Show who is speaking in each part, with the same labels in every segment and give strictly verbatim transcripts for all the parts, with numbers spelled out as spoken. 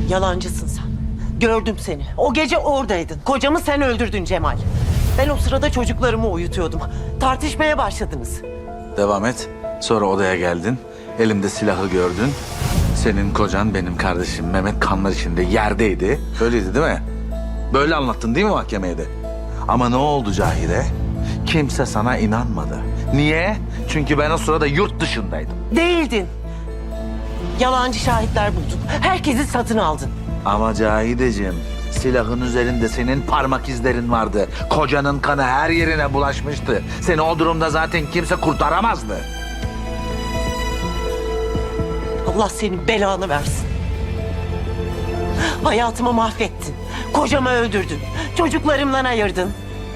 Speaker 1: Yalancısın sen. Gördüm seni. O gece oradaydın. Kocamı sen öldürdün Cemal. Ben o sırada çocuklarımı uyutuyordum. Tartışmaya başladınız.
Speaker 2: Devam et. Sonra odaya geldin. Elimde silahı gördün. Senin kocan benim kardeşim Mehmet kanlar içinde yerdeydi. Öyleydi değil mi? Böyle anlattın değil mi mahkemeye de? Ama ne oldu Cahide? Kimse sana inanmadı. Niye? Çünkü ben o sırada yurt dışındaydım.
Speaker 1: Değildin. Yalancı şahitler buldun. Herkesi satın aldın.
Speaker 2: Ama Cahideciğim, silahın üzerinde senin parmak izlerin vardı. Kocanın kanı her yerine bulaşmıştı. Seni o durumda zaten kimse kurtaramazdı.
Speaker 1: Allah senin belanı versin. Hayatımı mahvettin. Kocamı öldürdün. Çocuklarımdan ayırdın.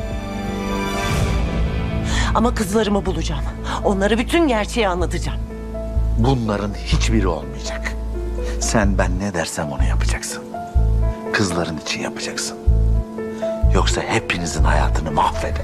Speaker 1: Ama kızlarımı bulacağım. Onlara bütün gerçeği anlatacağım.
Speaker 2: Bunların hiçbiri olmayacak. Sen ben ne dersem onu yapacaksın. Kızların için yapacaksın. Yoksa hepinizin hayatını mahvederim.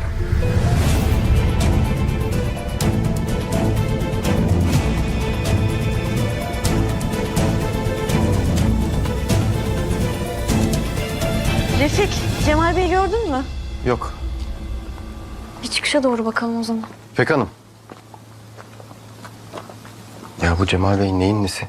Speaker 3: Refik, Cemal Bey'i gördün mü?
Speaker 4: Yok.
Speaker 3: Bir çıkışa doğru bakalım o zaman.
Speaker 4: İpek Hanım. Ya bu Cemal Bey'in neyin nesi?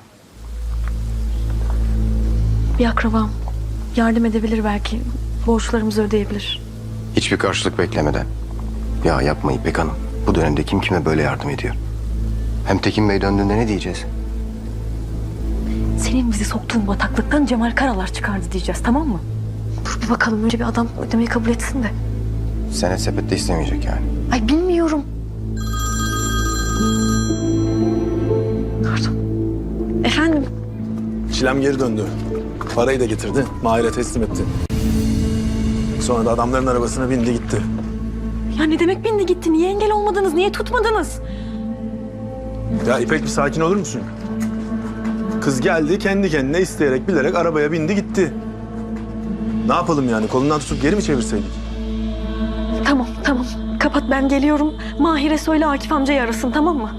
Speaker 3: Bir akrabam. Yardım edebilir belki. Borçlarımızı ödeyebilir.
Speaker 4: Hiçbir karşılık beklemeden. Ya yapma İpek Hanım. Bu dönemde kim kime böyle yardım ediyor? Hem Tekin Bey döndüğünde ne diyeceğiz?
Speaker 3: Senin bizi soktuğun bataklıktan Cemal Karalar çıkardı diyeceğiz, tamam mı? Dur bir bakalım, önce bir adam ödemeyi kabul etsin de.
Speaker 4: Senet sepette istemeyecek yani.
Speaker 3: Ay bilmiyorum. Pardon. Efendim?
Speaker 5: Çilem geri döndü. Parayı da getirdi. Mahir'e teslim etti. Sonra da adamların arabasına bindi gitti.
Speaker 3: Ya ne demek bindi gitti? Niye engel olmadınız? Niye tutmadınız?
Speaker 5: Ya İpek bir sakin olur musun? Kız geldi kendi kendine isteyerek bilerek arabaya bindi gitti. Ne yapalım yani? Kolundan tutup geri mi çevirseydik?
Speaker 3: Tamam, tamam. Kapat, ben geliyorum. Mahir'e söyle Akif amcayı arasın, tamam mı?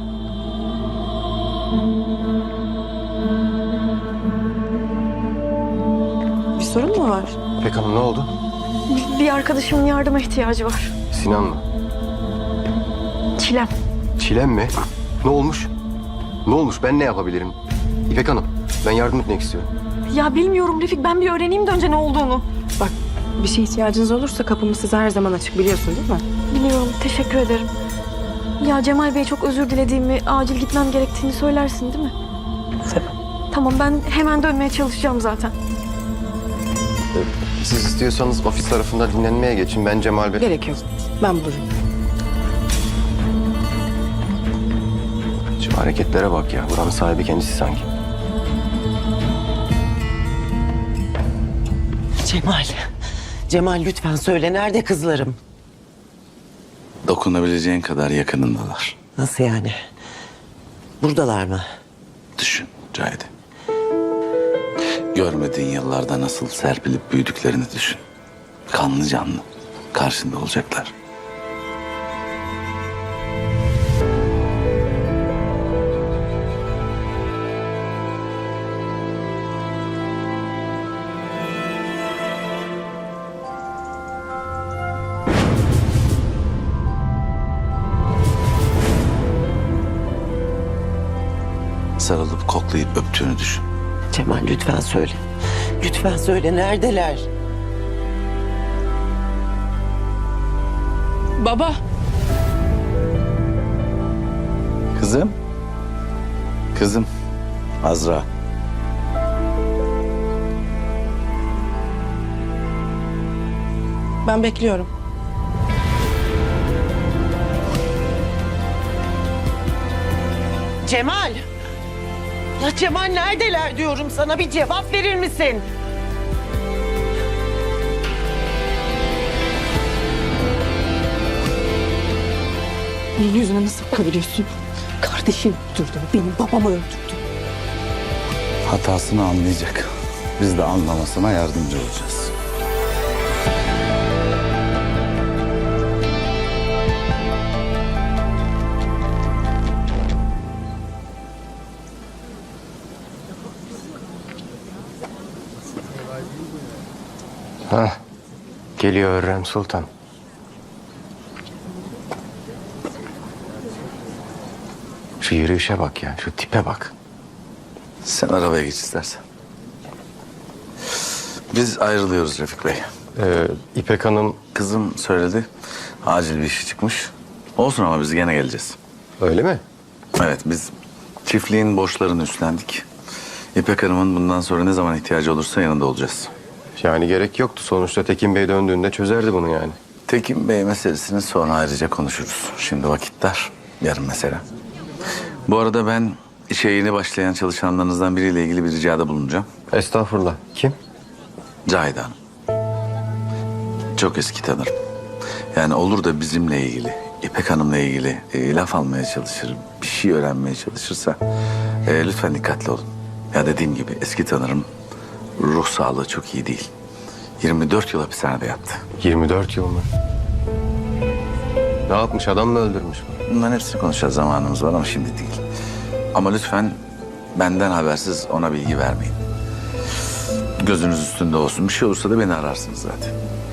Speaker 6: Bir sorun mu var?
Speaker 4: İpek Hanım ne oldu?
Speaker 3: Bir arkadaşımın yardıma ihtiyacı var.
Speaker 4: Sinan mı?
Speaker 3: Çilem.
Speaker 4: Çilem mi? Ne olmuş? Ne olmuş? Ben ne yapabilirim? İpek Hanım, ben yardım etmek istiyorum.
Speaker 3: Ya bilmiyorum Refik, ben bir öğreneyim de önce ne olduğunu.
Speaker 6: Bak, bir şey ihtiyacınız olursa kapımız size her zaman açık, biliyorsun değil mi?
Speaker 3: Biliyorum, teşekkür ederim. Ya Cemal Bey çok özür dilediğimi, acil gitmem gerektiğini söylersin değil mi?
Speaker 6: Tabii.
Speaker 3: Tamam, ben hemen dönmeye çalışacağım zaten.
Speaker 4: Siz istiyorsanız ofis tarafında dinlenmeye geçin. Ben Cemal Bey...
Speaker 6: Gerek yok. Ben bulurum.
Speaker 4: Şu hareketlere bak ya. Buranın sahibi kendisi sanki.
Speaker 1: Cemal. Cemal lütfen söyle, nerede kızlarım?
Speaker 2: Dokunabileceğin kadar yakınındalar.
Speaker 1: Nasıl yani? Buradalar mı?
Speaker 2: Düşün Cahide. Görmediğin yıllarda nasıl serpilip büyüdüklerini düşün. Kanlı canlı karşında olacaklar. Sarılıp koklayıp öptüğünü düşün.
Speaker 1: Cemal lütfen söyle. Lütfen söyle, neredeler?
Speaker 6: Baba.
Speaker 2: Kızım. Kızım. Azra.
Speaker 6: Ben bekliyorum.
Speaker 1: Cemal! Ya Cemal neredeler diyorum sana, bir cevap verir misin?
Speaker 6: Bunun yüzüne nasıl bakabiliyorsun? Kardeşim öldürdü, benim babamı öldürdü.
Speaker 2: Hatasını anlayacak. Biz de anlamasına yardımcı olacağız.
Speaker 4: Hah, geliyor Hürrem Sultan. Şu yürüyüşe bak ya, şu tipe bak.
Speaker 2: Sen arabaya geç istersen. Biz ayrılıyoruz Refik Bey.
Speaker 4: Ee, İpek Hanım
Speaker 2: Kızım söyledi. Acil bir işi çıkmış. Olsun ama biz gene geleceğiz.
Speaker 4: öyle mi?
Speaker 2: Evet, biz çiftliğin borçlarını üstlendik. İpek Hanım'ın bundan sonra ne zaman ihtiyacı olursa yanında olacağız.
Speaker 4: Yani gerek yoktu. Sonuçta Tekin Bey döndüğünde çözerdi bunu yani.
Speaker 2: Tekin Bey meselesini sonra ayrıca konuşuruz. Şimdi vakit dar. Yarın mesele. Bu arada ben işe yeni başlayan çalışanlarınızdan biriyle ilgili bir ricada bulunacağım.
Speaker 4: Estağfurullah. Kim?
Speaker 2: Cahide Hanım. Çok eski tanırım. Yani olur da bizimle ilgili, İpek Hanım'la ilgili e, laf almaya çalışır, bir şey öğrenmeye çalışırsa e, lütfen dikkatli olun. Ya dediğim gibi eski tanırım, ruh sağlığı çok iyi değil. yirmi dört yıl hapishanede yattı.
Speaker 4: yirmi dört yıl mı? Ne yapmış? Adam mı öldürmüş?
Speaker 2: Bunların hepsini konuşacağız, zamanımız var ama şimdi değil. Ama lütfen benden habersiz ona bilgi vermeyin. Gözünüz üstünde olsun. Bir şey olursa da beni ararsınız zaten.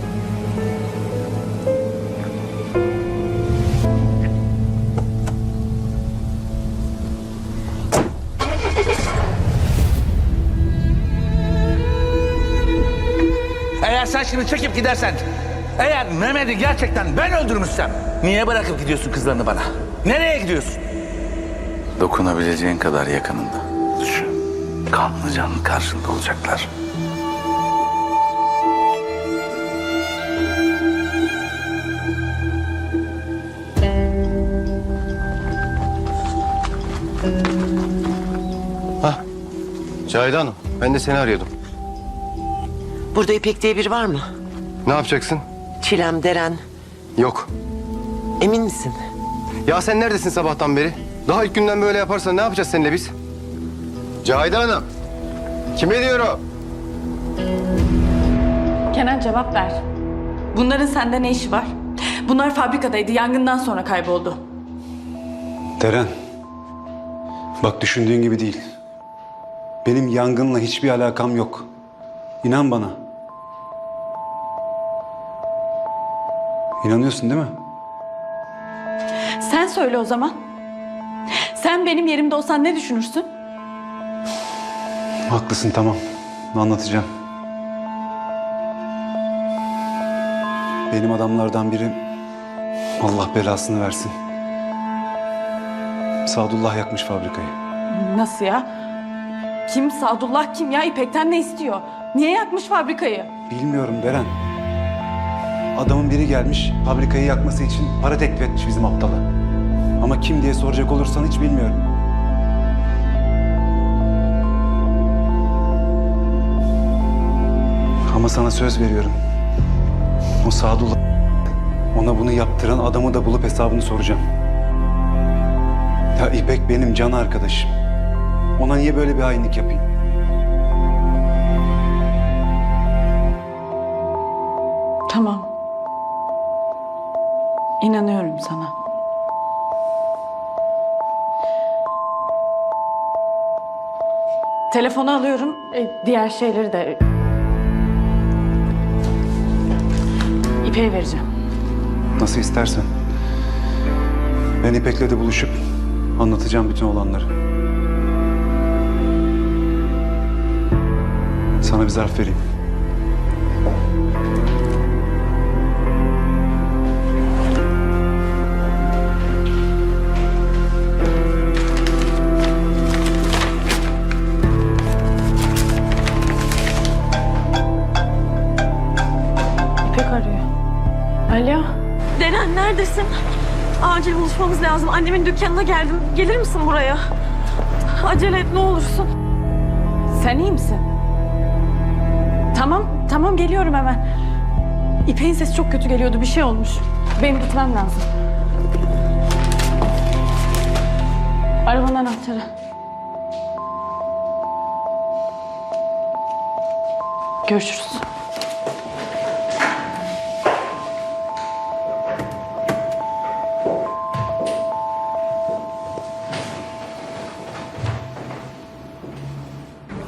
Speaker 7: Eğer sen şimdi çekip gidersen, eğer Mehmet'i gerçekten ben öldürmüşsem, niye bırakıp gidiyorsun kızlarını bana? Nereye gidiyorsun?
Speaker 2: Dokunabileceğin kadar yakınında. Düşün. Kanlı canlı karşında olacaklar.
Speaker 4: Hah. Cahide Hanım, ben de seni arıyordum.
Speaker 1: Burada İpek diye biri var mı?
Speaker 4: Ne yapacaksın?
Speaker 1: Çilem, Deren.
Speaker 4: Yok.
Speaker 1: Emin misin?
Speaker 4: Ya sen neredesin sabahtan beri? Daha ilk günden böyle yaparsan ne yapacağız seninle biz? Cahide Hanım. Kime diyor o?
Speaker 8: Kenan cevap ver. Bunların sende ne işi var? Bunlar fabrikadaydı. Yangından sonra kayboldu.
Speaker 9: Deren, bak düşündüğün gibi değil. Benim yangınla hiçbir alakam yok. İnan bana. İnanıyorsun değil mi?
Speaker 8: Sen söyle o zaman. Sen benim yerimde olsan ne düşünürsün?
Speaker 9: Haklısın, tamam. Anlatacağım. Benim adamlardan biri, Allah belasını versin, Sadullah yakmış fabrikayı.
Speaker 8: Nasıl ya? Kim Sadullah kim ya? İpek'ten ne istiyor? Niye yakmış fabrikayı?
Speaker 9: Bilmiyorum Deren. Adamın biri gelmiş, fabrikayı yakması için para teklif etmiş bizim aptala. Ama kim diye soracak olursan hiç bilmiyorum. Ama sana söz veriyorum. O Sadullah, ona bunu yaptıran adamı da bulup hesabını soracağım. Ya İpek benim can arkadaşım. Ona niye böyle bir hainlik yapayım?
Speaker 8: Tamam. İnanıyorum sana. Telefonu alıyorum. E, diğer şeyleri de... İpek'e vereceğim.
Speaker 9: Nasıl istersen. Ben İpek'le de buluşup anlatacağım bütün olanları. Sana bir zarf vereyim.
Speaker 8: İpek arıyor. Alo.
Speaker 3: Deren neredesin? Acil buluşmamız lazım. Annemin dükkanına geldim. Gelir misin buraya? Acele et ne olursun.
Speaker 8: Sen iyi misin? Tamam, tamam geliyorum hemen. İpek'in sesi çok kötü geliyordu. Bir şey olmuş. Benim gitmem lazım. Arabanın anahtarı. Görüşürüz.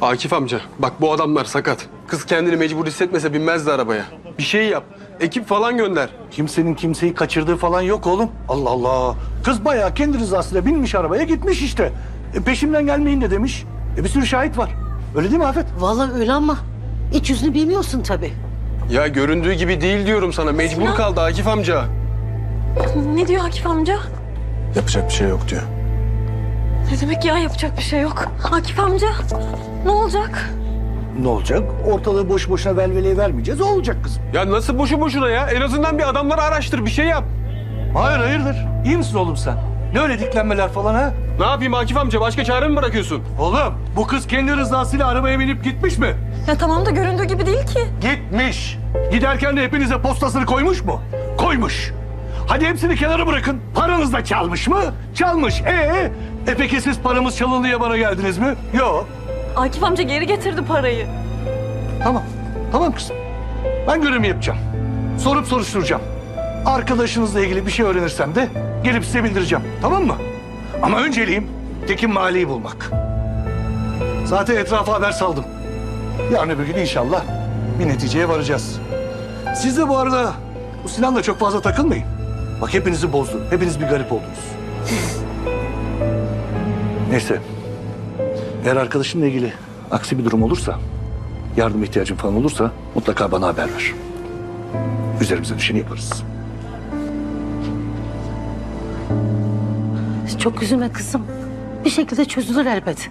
Speaker 10: Akif amca bak bu adamlar sakat. Kız kendini mecbur hissetmese binmezdi arabaya. Bir şey yap. Ekip falan gönder.
Speaker 11: Kimsenin kimseyi kaçırdığı falan yok oğlum. Allah Allah. Kız bayağı kendi rızasıyla binmiş arabaya gitmiş işte. E, peşimden gelmeyin de demiş. E, bir sürü şahit var. Öyle değil mi Afet?
Speaker 1: Vallahi öyle ama iç yüzünü bilmiyorsun tabii.
Speaker 10: Ya göründüğü gibi değil diyorum sana. Mecbur kaldı Akif amca.
Speaker 3: Ne diyor Akif amca?
Speaker 5: Yapacak bir şey yok diyor.
Speaker 3: Ne demek ya yapacak bir şey yok. Akif amca ne olacak?
Speaker 11: Ne olacak? Ortalığı boş boşuna velveleye vermeyeceğiz. O olacak kızım.
Speaker 10: Ya nasıl boşu boşuna ya? En azından bir adamları araştır, bir şey yap.
Speaker 11: Hayır hayırdır. İyi misin oğlum sen? Ne öyle diklenmeler falan ha?
Speaker 10: Ne yapayım Akif amca? Başka çare mi bırakıyorsun?
Speaker 11: Oğlum bu kız kendi rızasıyla arabaya binip gitmiş mi?
Speaker 3: Ya tamam da göründüğü gibi değil ki.
Speaker 11: Gitmiş. Giderken de hepinize postasını koymuş mu? Koymuş. Hadi hepsini kenara bırakın. Paranız da çalmış mı? Çalmış. Ee, e peki siz paramız çalındı diye bana geldiniz mi? Yok.
Speaker 3: Akif amca geri getirdi parayı.
Speaker 11: Tamam. Tamam kızım. Ben görevimi yapacağım. Sorup soruşturacağım. Arkadaşınızla ilgili bir şey öğrenirsem de gelip size bildireceğim. Tamam mı? Ama önceliğim Tekin Mali'yi bulmak. Zaten etrafa haber saldım. Yarın öbür gün inşallah bir neticeye varacağız. Siz de bu arada bu Sinan'la çok fazla takılmayın. Bak hepinizi bozdu. Hepiniz bir garip oldunuz. Neyse. Eğer arkadaşımla ilgili aksi bir durum olursa, yardım ihtiyacın falan olursa mutlaka bana haber ver. Üzerimize düşeni yaparız.
Speaker 1: Çok üzülme kızım. Bir şekilde çözülür elbet.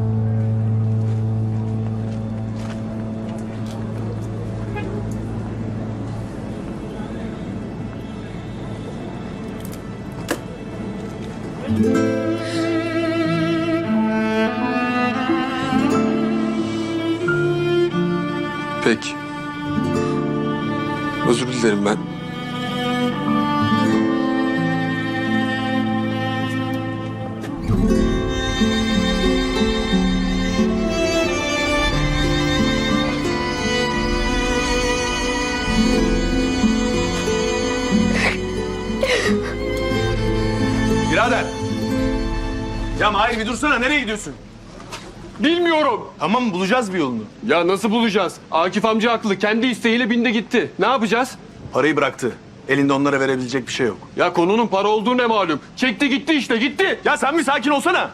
Speaker 10: Peki. Özür dilerim ben.
Speaker 5: Birader. Ya Mahir bir dursana. Nereye gidiyorsun?
Speaker 10: Bilmiyorum.
Speaker 5: Tamam bulacağız bir yolunu.
Speaker 10: Ya nasıl bulacağız? Akif amca haklı. Kendi isteğiyle bindi gitti. Ne yapacağız?
Speaker 5: Parayı bıraktı. Elinde onlara verebilecek bir şey yok.
Speaker 10: Ya konunun para olduğu ne malum? Çekti gitti işte gitti.
Speaker 5: Ya sen bir sakin olsana.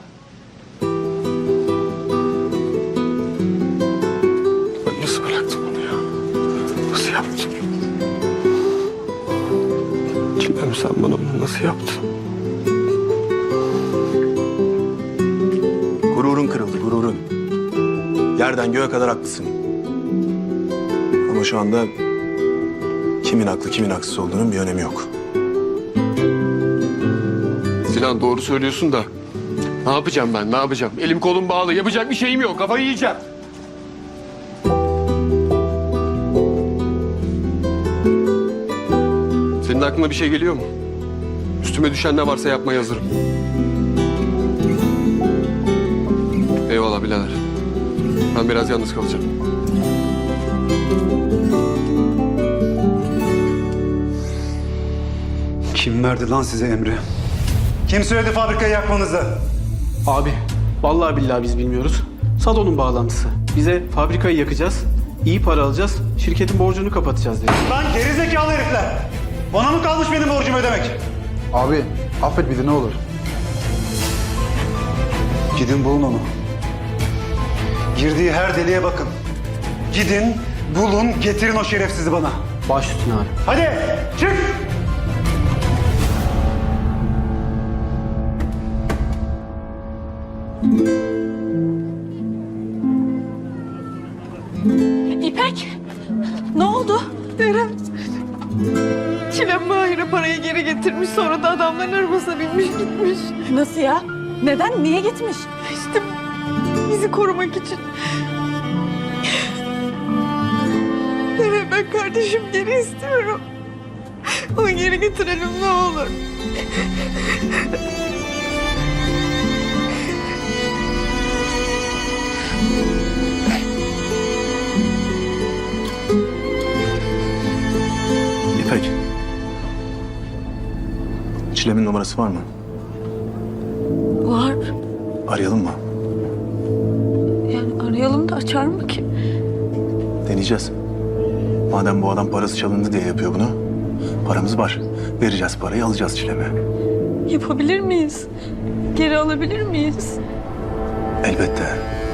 Speaker 10: Ben nasıl bıraktım onu ya? Nasıl yaptım? Kimem sen bana bunu nasıl yaptın?
Speaker 5: Gururun kırıldı, gururun. Yerden göğe kadar haklısın. Ama şu anda kimin haklı, kimin haksız olduğunun bir önemi yok.
Speaker 10: Sinan doğru söylüyorsun da ne yapacağım ben ne yapacağım? Elim kolum bağlı yapacak bir şeyim yok kafayı yiyeceğim. Senin aklına bir şey geliyor mu? Üstüme düşen ne varsa yapmaya hazırım. Eyvallah birader. Ben biraz yalnız kalacağım.
Speaker 9: Kim verdi lan size emri? Kim söyledi fabrikayı yakmanızı?
Speaker 12: Abi, vallahi billahi biz bilmiyoruz. Sadon'un bağlantısı. Bize fabrikayı yakacağız, iyi para alacağız, şirketin borcunu kapatacağız dedi.
Speaker 9: Lan gerizekalı herifler! Bana mı kalmış benim borcumu ödemek?
Speaker 12: Abi, affet bizi ne olur.
Speaker 9: Gidin bulun onu. Girdiği her deliğe bakın. Gidin, bulun, getirin o şerefsizi bana.
Speaker 12: Baş üstüne abi.
Speaker 9: Hadi, çık!
Speaker 3: İpek ne oldu? Eren. Çilem Mahir'e parayı geri getirmiş sonra da adamların arabasına binmiş gitmiş. Nasıl ya? Neden? Niye gitmiş? İşte bizi korumak için. Evet ben kardeşim geri istiyorum. Onu geri getirelim ne olur.
Speaker 5: İpek. Çilem'in numarası var mı?
Speaker 3: Var.
Speaker 5: Arayalım mı?
Speaker 3: Yani arayalım da
Speaker 6: açar mı ki?
Speaker 5: Deneyeceğiz. Madem bu adam parası çalındı diye yapıyor bunu, paramız var. Vereceğiz parayı, alacağız Çilem'i.
Speaker 6: Yapabilir miyiz? Geri alabilir miyiz?
Speaker 5: Elbette.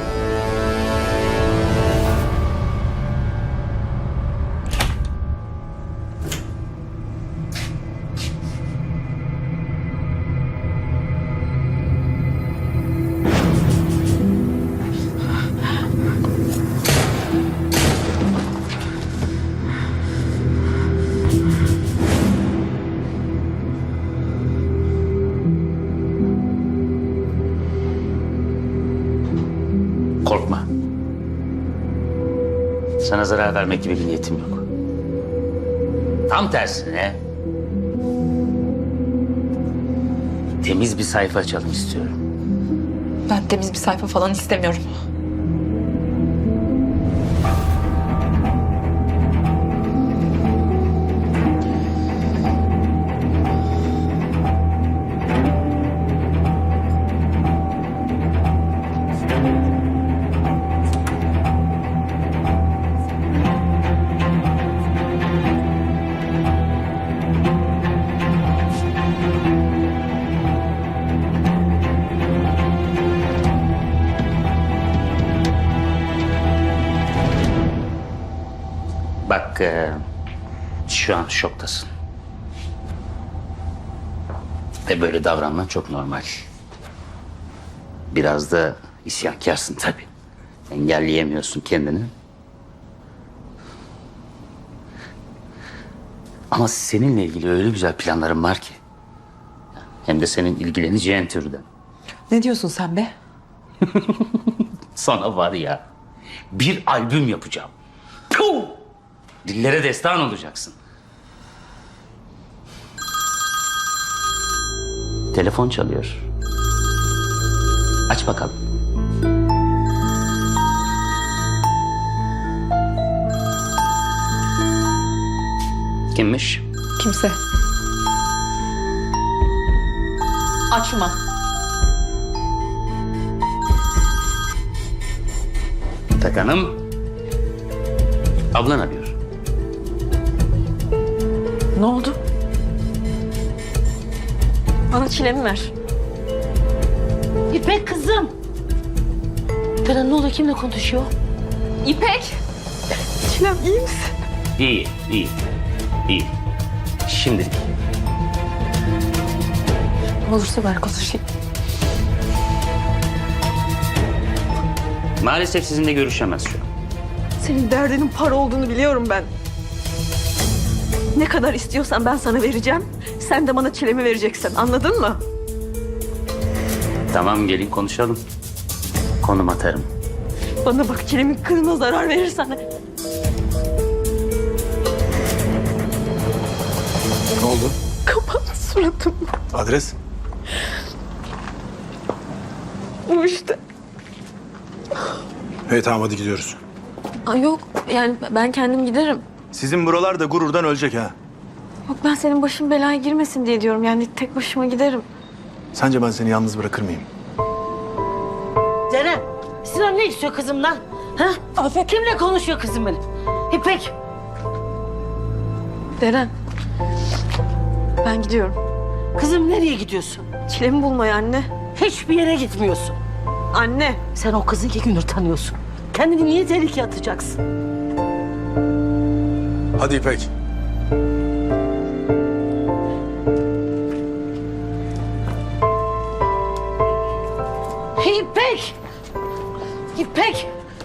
Speaker 7: Korkma. Sana zarar vermek gibi bir niyetim yok. Tam tersine temiz bir sayfa açalım istiyorum.
Speaker 3: Ben temiz bir sayfa falan istemiyorum.
Speaker 7: Bak e, şu an şoktasın. Ve böyle davranman çok normal. Biraz da isyankarsın tabii. Engelleyemiyorsun kendini. Ama seninle ilgili öyle güzel planlarım var ki. Hem de senin ilgileneceğin türden.
Speaker 3: Ne diyorsun sen be?
Speaker 7: Sana var ya, bir albüm yapacağım. Puh! Dillere destan olacaksın. Telefon çalıyor. Aç bakalım. Kimmiş?
Speaker 3: Kimse. Açma.
Speaker 7: Tak Hanım. Ablan arıyor.
Speaker 6: Ne oldu? Bana çilemi ver.
Speaker 3: İpek kızım. Ferhan ne oluyor? Kimle konuşuyor? İpek.
Speaker 6: Çilem iyi misin?
Speaker 7: İyi, iyi, iyi. Şimdilik.
Speaker 6: Ne olursa ver konuşayım.
Speaker 7: Maalesef sizinle görüşemez şu an.
Speaker 6: Senin derdinin para olduğunu biliyorum ben. Ne kadar istiyorsan ben sana vereceğim. Sen de bana çilemi vereceksin. Anladın mı?
Speaker 7: Tamam, gelin konuşalım. Konum atarım.
Speaker 6: Bana bak, çilemin kılına zarar verirsen.
Speaker 5: Ne oldu?
Speaker 6: Kapat suratımı.
Speaker 5: Adres?
Speaker 6: Bu işte.
Speaker 5: Evet tamam hadi gidiyoruz.
Speaker 6: Ay yok yani ben kendim giderim.
Speaker 5: Sizin buralar da gururdan ölecek ha.
Speaker 6: Yok ben senin başın belaya girmesin diye diyorum. Yani tek başıma giderim.
Speaker 5: Sence ben seni yalnız bırakır mıyım?
Speaker 3: Ceren, Sinan ne istiyor kızımdan? Ha? Afet. Kimle konuşuyor kızım benim? İpek.
Speaker 6: Deren. Ben gidiyorum.
Speaker 3: Kızım nereye gidiyorsun?
Speaker 6: Çilemi bulmaya anne.
Speaker 3: Hiçbir yere gitmiyorsun.
Speaker 6: Anne.
Speaker 3: Sen o kızı iki gündür tanıyorsun. Kendini niye tehlikeye atacaksın?
Speaker 5: Hadi İpek.
Speaker 3: İpek! İpek!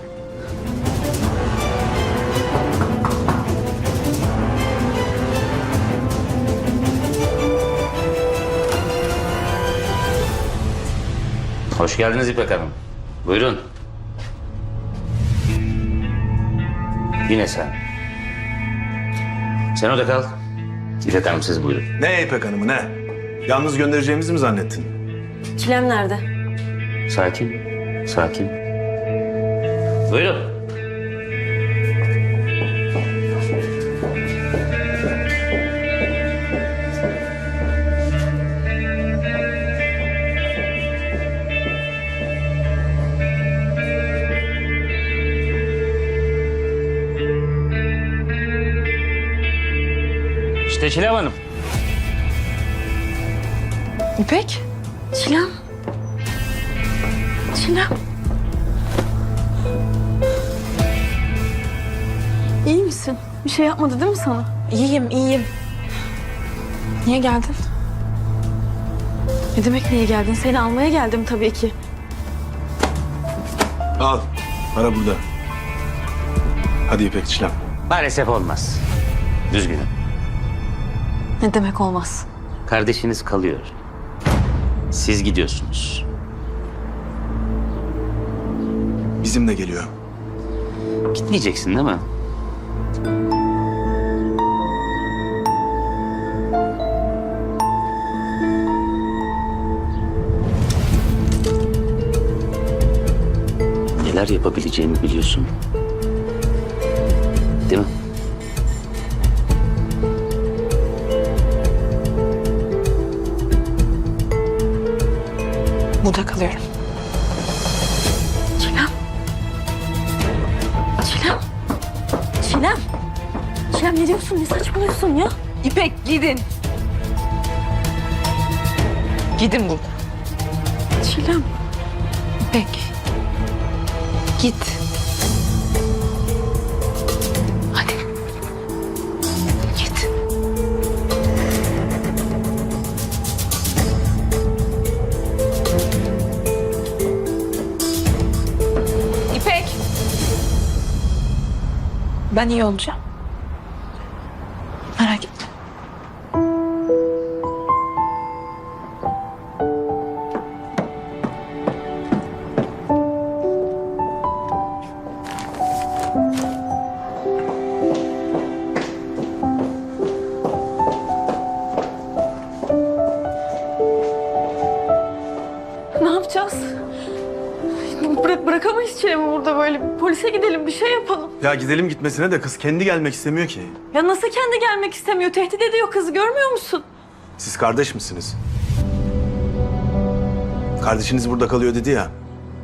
Speaker 7: Hoş geldiniz İpek Hanım. Buyurun. Yine sen. Sen orada kal. İpek Hanım siz buyurun.
Speaker 5: Ne İpek Hanım'ı ne? Yalnız göndereceğimizi mi zannettin?
Speaker 6: Çilem nerede?
Speaker 7: Sakin, sakin. Buyurun. İşte Çilem Hanım.
Speaker 3: İpek? Çilem? Çilem?
Speaker 6: İyi misin? Bir şey yapmadı değil mi sana?
Speaker 3: İyiyim, iyiyim. Niye geldin?
Speaker 6: Ne demek niye geldin? Seni almaya geldim tabii ki.
Speaker 5: Al. Para burada. Hadi İpek Çilem.
Speaker 7: Maalesef olmaz. Düzgünüm.
Speaker 6: Ne demek olmaz?
Speaker 7: Kardeşiniz kalıyor. Siz gidiyorsunuz.
Speaker 5: Bizimle geliyor.
Speaker 7: Gitmeyeceksin değil mi? Neler yapabileceğimi biliyorsun. Değil mi?
Speaker 3: Burada kalıyorum.
Speaker 6: Çilem. Çilem. Çilem. Çilem ne diyorsun? Ne saçmalıyorsun ya?
Speaker 3: İpek gidin. Gidin buradan.
Speaker 6: Çilem.
Speaker 3: İpek. Git. Hadi. Git. İpek. Ben iyi olacağım. Merak etme.
Speaker 6: Ne yapacağız? Bırak, bırakamayız Çilem'i burada böyle. Polise gidelim, bir şey yapalım.
Speaker 5: Ya gidelim gitmesine de kız kendi gelmek istemiyor ki.
Speaker 6: Ya nasıl kendi gelmek istemiyor? Tehdit ediyor kızı, görmüyor musun?
Speaker 5: Siz kardeş misiniz? Kardeşiniz burada kalıyor dedi ya.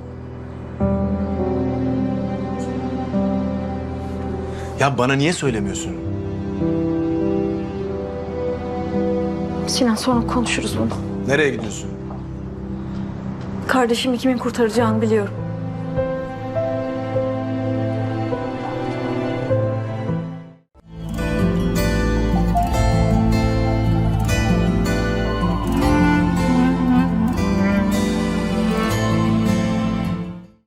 Speaker 5: Ya bana niye söylemiyorsun?
Speaker 6: Sinan sonra konuşuruz bunu.
Speaker 5: Nereye gidiyorsun?
Speaker 6: Kardeşimi kimin kurtaracağını biliyorum.